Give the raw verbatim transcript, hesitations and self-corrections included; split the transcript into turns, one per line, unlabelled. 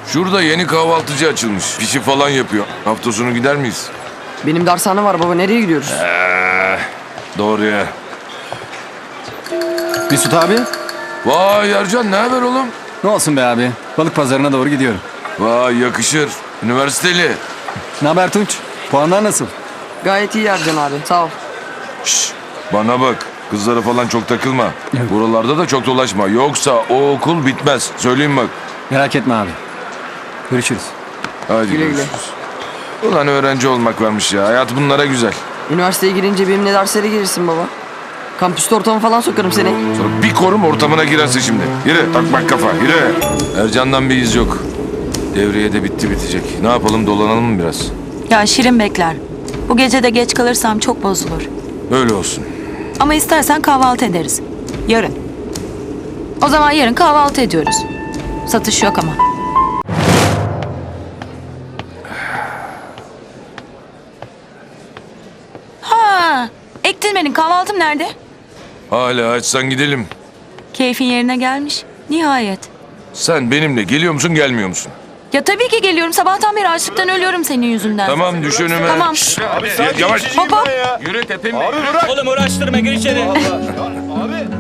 Şurada yeni kahvaltıcı açılmış. Pişi falan yapıyor. Hafta sonu gider miyiz?
Benim dershane var baba, nereye gidiyoruz?
Ee, doğru ya.
Mesut abi,
Vay Ercan, ne haber oğlum?
ne olsun be abi? Balık pazarına doğru gidiyorum.
Vay yakışır. Üniversiteli.
Ne haber Tunç? Puanlar nasıl?
Gayet iyi Ercan abi, sağ ol.
Şş, bana bak. Kızlara falan çok takılma. Buralarda da çok dolaşma. Yoksa o okul bitmez. Söyleyeyim bak.
Merak etme abi. Görüşürüz.
Hadi
Güle güle.
görüşürüz. Ulan öğrenci olmak varmış ya. Hayat bunlara güzel.
Üniversiteye girince benimle derslere gelirsin baba. Kampüste ortama falan sokarım seni.
Sonra bir korum ortamına girersin şimdi. Yürü takmak kafa yürü. Ercan'dan bir iz yok. Devreye de bitti bitecek. Ne yapalım, dolanalım mı biraz?
Ya Şirin bekler. Bu gece de geç kalırsam çok bozulur.
Öyle olsun.
Ama istersen kahvaltı ederiz. Yarın. O zaman yarın kahvaltı ediyoruz. Satış yok ama. Ha, Ektirmenin kahvaltım nerede?
Hala açsan gidelim.
Keyfin yerine gelmiş. Nihayet.
Sen benimle geliyor musun gelmiyor musun?
Ya tabii ki geliyorum. Sabahtan beri açlıktan ölüyorum senin yüzünden.
Tamam düş önüme.
Tamam.
Şşş, ya- yavaş.
Hop hop.
Yürü tepemi.
Oğlum uğraştırma, gir içeri.
Abi